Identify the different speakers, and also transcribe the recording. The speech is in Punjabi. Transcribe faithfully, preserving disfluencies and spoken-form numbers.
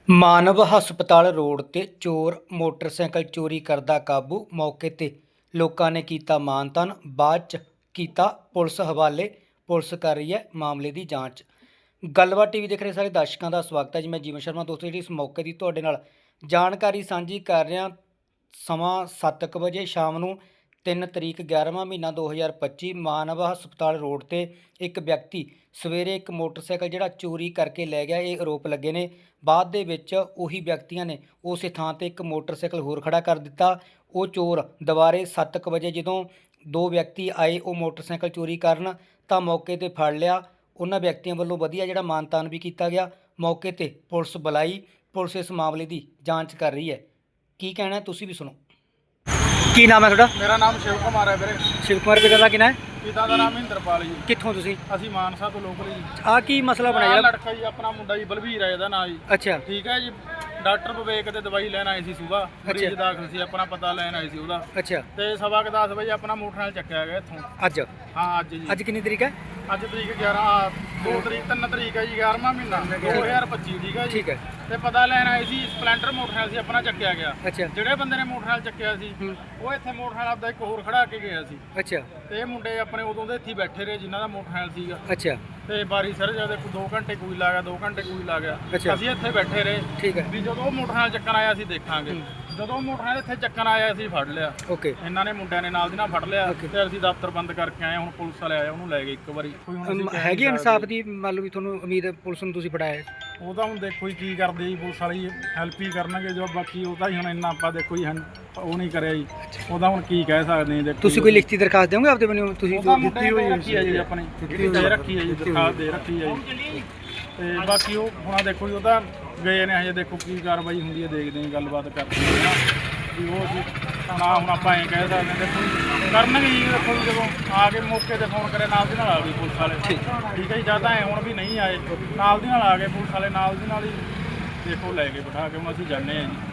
Speaker 1: ਮਾਨਵ ਹਸਪਤਾਲ ਰੋਡ ਤੇ ਚੋਰ ਮੋਟਰਸਾਈਕਲ ਚੋਰੀ ਕਰਦਾ ਕਾਬੂ। ਮੌਕੇ ਤੇ ਲੋਕਾਂ ਨੇ ਕੀਤਾ ਮਾਨ ਤਾਨ, ਬਾਅਦ ਚ ਕੀਤਾ ਪੁਲਿਸ ਹਵਾਲੇ। ਪੁਲਿਸ ਕਰ ਰਹੀ ਹੈ ਮਾਮਲੇ ਦੀ ਜਾਂਚ। ਗੱਲਬਾਤ ਟੀਵੀ ਦੇਖ ਰਹੇ ਸਾਰੇ ਦਰਸ਼ਕਾਂ ਦਾ ਸਵਾਗਤ ਹੈ ਜੀ। ਮੈਂ ਜੀਵਨ ਸ਼ਰਮਾ। ਦੋਸਤੋ, ਜਿਹੜੀ ਇਸ ਮੌਕੇ ਦੀ ਤੁਹਾਡੇ ਨਾਲ ਜਾਣਕਾਰੀ ਸਾਂਝੀ ਕਰ ਰਿਹਾ। ਸਮਾਂ ਸੱਤ ਕੁ ਵਜੇ ਸ਼ਾਮ ਨੂੰ ਤਿੰਨ ਤਰੀਕ ਗਿਆਰ੍ਹਵਾਂ ਮਹੀਨਾ ਦੋ ਹਜ਼ਾਰ ਪੱਚੀ ਮਾਨਵ ਹਸਪਤਾਲ ਰੋਡ ਤੇ ਇੱਕ ਵਿਅਕਤੀ ਸਵੇਰੇ ਇੱਕ ਮੋਟਰਸਾਈਕਲ ਜਿਹੜਾ ਚੋਰੀ ਕਰਕੇ ਲੈ ਗਿਆ, ਇਹ ਆਰੋਪ ਲੱਗੇ ਨੇ। ਬਾਅਦ ਦੇ ਵਿੱਚ ਉਹੀ ਵਿਅਕਤੀਆਂ ਨੇ ਉਸੇ ਥਾਂ ਤੇ ਇੱਕ ਮੋਟਰਸਾਈਕਲ ਹੋਰ ਖੜਾ ਕਰ ਦਿੱਤਾ। ਉਹ ਚੋਰ ਦੁਬਾਰੇ ਸੱਤ ਕੁ ਵਜੇ ਜਦੋਂ ਦੋ ਵਿਅਕਤੀ ਆਏ ਉਹ ਮੋਟਰਸਾਈਕਲ ਚੋਰੀ ਕਰਨ, ਤਾਂ ਮੌਕੇ ਤੇ ਫੜ ਲਿਆ। ਉਹਨਾਂ ਵਿਅਕਤੀਆਂ ਵੱਲੋਂ ਵਧੀਆ ਜਿਹੜਾ ਮਾਨ ਤਾਨ ਵੀ ਕੀਤਾ ਗਿਆ। ਮੌਕੇ ਤੇ ਪੁਲਿਸ ਬੁਲਾਈ। ਪੁਲਿਸ ਇਸ ਮਾਮਲੇ ਦੀ ਜਾਂਚ ਕਰ ਰਹੀ ਹੈ। ਕੀ ਕਹਿਣਾ ਹੈ ਤੁਸੀਂ ਵੀ ਸੁਣੋ। ਕੀ ਨਾਮ ਹੈ ਤੁਹਾਡਾ?
Speaker 2: ਮੇਰਾ ਨਾਮ ਸ਼ਿਵ ਕੁਮਾਰ ਹੈ ਵੀਰੇ।
Speaker 1: ਸ਼ਿਵ ਕੁਮਾਰ, ਪਿਤਾ ਦਾ ਕੀ ਨਾਮ ਹੈ?
Speaker 2: ਪਿਤਾ ਦਾ ਨਾਮ ਮਹਿੰਦਰਪਾਲ ਜੀ।
Speaker 1: ਕਿੱਥੋਂ ਤੁਸੀਂ?
Speaker 2: ਅਸੀਂ ਮਾਨਸਾ ਤੋਂ ਲੋਕਲ ਜੀ।
Speaker 1: ਆਹ ਕੀ ਮਸਲਾ ਬਣਿਆ
Speaker 2: ਆਹ
Speaker 1: ਜਿਹੜਾ?
Speaker 2: ਲੜਕਾ ਜੀ ਆਪਣਾ ਮੁੰਡਾ ਜੀ, ਬਲਵੀਰ ਹੈ ਇਹਦਾ ਨਾਂ ਜੀ।
Speaker 1: ਅੱਛਾ
Speaker 2: ਠੀਕ ਹੈ ਜੀ। ਡਾਕਟਰ ਵਿਵੇਕ ਤੇ ਦਵਾਈ ਲੈਣ ਆਏ ਸੀ ਸੁਬਾਹ। ਮਰੀਜ਼ ਦਾਖਲ ਸੀ, ਆਪਣਾ ਪਤਾ ਲੈਣ ਆਏ ਸੀ ਉਹਦਾ।
Speaker 1: ਅੱਛਾ।
Speaker 2: ਤੇ ਸਵਾ ਕੁ ਦਸ ਵਜੇ ਆਪਣਾ ਮੋਟਰਸਾਈਕਲ ਚੱਕਿਆ ਗਿਆ ਇੱਥੋਂ।
Speaker 1: ਅੱਜ?
Speaker 2: ਹਾਂ ਅੱਜ ਜੀ।
Speaker 1: ਅੱਜ ਕਿੰਨੀ ਤਰੀਕ ਹੈ?
Speaker 2: ਅੱਜ ਤਰੀਕ ਗਿਆਰਾਂ, ਦੋ ਤਰੀਕ ਤਿੰਨ ਤਰੀਕ ਹੈ ਜੀ, ਗਿਆਰ੍ਹਵਾਂ ਮਹੀਨਾ ਦੋ ਹਜ਼ਾਰ ਪੱਚੀ। ਠੀਕ ਹੈ ਜੀ।
Speaker 1: ਠੀਕ ਹੈ।
Speaker 2: ਤੇ ਪਤਾ ਲੈਣ ਆਏ ਸੀ, ਸਪਲੈਂਡਰ ਮੋਟਰਸਾਈਕਲ ਸੀ ਆਪਣਾ ਚੱਕਿਆ ਗਿਆ।
Speaker 1: ਅੱਛਾ।
Speaker 2: ਜਿਹੜੇ ਬੰਦੇ ਨੇ ਮੋਟਰਸਾਈਕਲ ਚੱਕਿਆ ਸੀ ਉਹ ਇੱਥੇ ਮੋਟਰਸਾਈਕਲ ਆਪਦਾ ਇੱਕ ਹੋਰ ਖੜਾ ਕੇ ਗਿਆ ਸੀ।
Speaker 1: ਅੱਛਾ।
Speaker 2: ਤੇ ਇਹ ਮੁੰਡੇ ਆਪਣੇ ਉਦੋਂ ਦੇ ਇੱਥੇ ਬੈਠੇ ਰਹੇ ਜਿਨ੍ਹਾਂ ਦਾ ਮੋਟਰਸਾਈਕਲ ਸੀਗਾ।
Speaker 1: ਅੱਛਾ।
Speaker 2: ਤੇ ਬਾਰੀ ਸਰ ਜਦ ਦੋ ਘੰਟੇ ਕੋਈ ਲਾ ਗਿਆ, ਦੋ ਘੰਟੇ ਕੋਈ ਲਾ ਗਿਆ।
Speaker 1: ਅੱਛਾ।
Speaker 2: ਅਸੀਂ ਇੱਥੇ ਬੈਠੇ ਰਹੇ।
Speaker 1: ਠੀਕ ਹੈ।
Speaker 2: ਵੀ ਜਦੋਂ ਉਹ ਮੋਟਰਸਾਈਕਲ ਚੱਕਣ ਆਇਆ ਅਸੀਂ ਦੇਖਾਂਗੇ। ਜਦੋਂ ਮੋਟਰਸਾਈਕਲ ਇੱਥੇ ਚੱਕਣ ਆਇਆ ਅਸੀਂ ਫੜ ਲਿਆ।
Speaker 1: ਓਕੇ।
Speaker 2: ਇਹਨਾਂ ਨੇ ਮੁੰਡਿਆਂ ਨੇ ਨਾਲ ਦੀ ਨਾਲ ਫੜ ਲਿਆ ਤੇ ਅਸੀਂ ਦਫ਼ਤਰ ਬੰਦ ਕਰਕੇ ਆਏ। ਹੁਣ ਪੁਲਿਸ ਵਾਲੇ ਆਏ, ਉਹਨੂੰ ਲੈ ਗਏ ਇੱਕ ਵਾਰੀ। ਕੋਈ ਹੁਣ ਅਸੀਂ ਕਹਿ
Speaker 1: ਹੈਗੀ
Speaker 2: ਨਹੀਂ
Speaker 1: ਇਨਸਾਫ
Speaker 2: ਸਕਦੇ।
Speaker 1: ਦੀ ਮੰਨ ਲਓ ਵੀ ਤੁਹਾਨੂੰ ਉਮੀਦ ਹੈ ਪੁਲਿਸ ਨੂੰ ਤੁਸੀਂ ਫੜਾਇਆ?
Speaker 2: ਉਹ ਤਾਂ ਹੁਣ ਦੇਖੋ ਜੀ ਕੀ ਕਰਦੇ ਜੀ, ਪੁਲਿਸ ਵਾਲੀ ਹੈਲਪ ਹੀ ਕਰਨਗੇ ਜੋ। ਬਾਕੀ ਉਹ ਤਾਂ ਹੀ ਹੁਣ ਇੰਨਾ ਆਪਾਂ ਦੇਖੋ ਜੀ ਹਨ ਉਹ ਨਹੀਂ ਕਰਿਆ ਜੀ। ਉਹਦਾ ਹੁਣ ਕੀ ਕਹਿ ਸਕਦੇ ਜੀ। ਦੇਖੋ
Speaker 1: ਤੁਸੀਂ ਕੋਈ ਲਿਖਤੀ ਦਰਖਾਸਤ ਦਿਓਗੇ ਆਪਦੇ ਵੱਲੋਂ? ਤੁਸੀਂ
Speaker 2: ਦਿੱਤੀ ਹੋਈ ਰੱਖੀ ਹੈ ਜੀ, ਆਪਣੀ ਦੇ ਰੱਖੀ ਹੈ ਜੀ, ਦਰਖਾਸਤ ਦੇ ਰੱਖੀ ਹੈ ਜੀ। ਤੇ ਬਾਕੀ ਉਹ ਹੁਣ ਦੇਖੋ ਜੀ, ਉਹ ਤਾਂ ਗਏ ਨੇ ਹਜੇ। ਦੇਖੋ ਕੀ ਕਾਰਵਾਈ ਹੁੰਦੀ ਹੈ, ਦੇਖਦੇ ਹਾਂ, ਗੱਲਬਾਤ ਕਰਦੇ ਹਾਂ ਵੀ ਉਹ ਜੀ। ਹੁਣ ਹੁਣ ਆਪਾਂ ਐਂ ਕਹਿ ਸਕਦੇ ਦੇਖੋ ਕਰਨਗੇ ਜੀ। ਦੇਖੋ ਜੀ ਜਦੋਂ ਆ ਕੇ ਮੌਕੇ ਤੇ ਫੋਨ ਕਰੇ ਨਾਲ ਦੀ ਨਾਲ ਆ ਗਏ ਪੁਲਿਸ ਵਾਲੇ। ਠੀਕ ਹੈ ਜੀ। ਜਾਂ ਤਾਂ ਐਂ ਹੁਣ ਵੀ ਨਹੀਂ ਆਏ, ਨਾਲ ਦੀ ਨਾਲ ਆ ਗਏ ਪੁਲਿਸ ਵਾਲੇ, ਨਾਲ ਦੀ ਨਾਲ ਹੀ ਦੇਖੋ ਲੈ ਕੇ ਬਿਠਾ ਕੇ ਹੁਣ ਅਸੀਂ ਜਾਂਦੇ ਹਾਂ ਜੀ।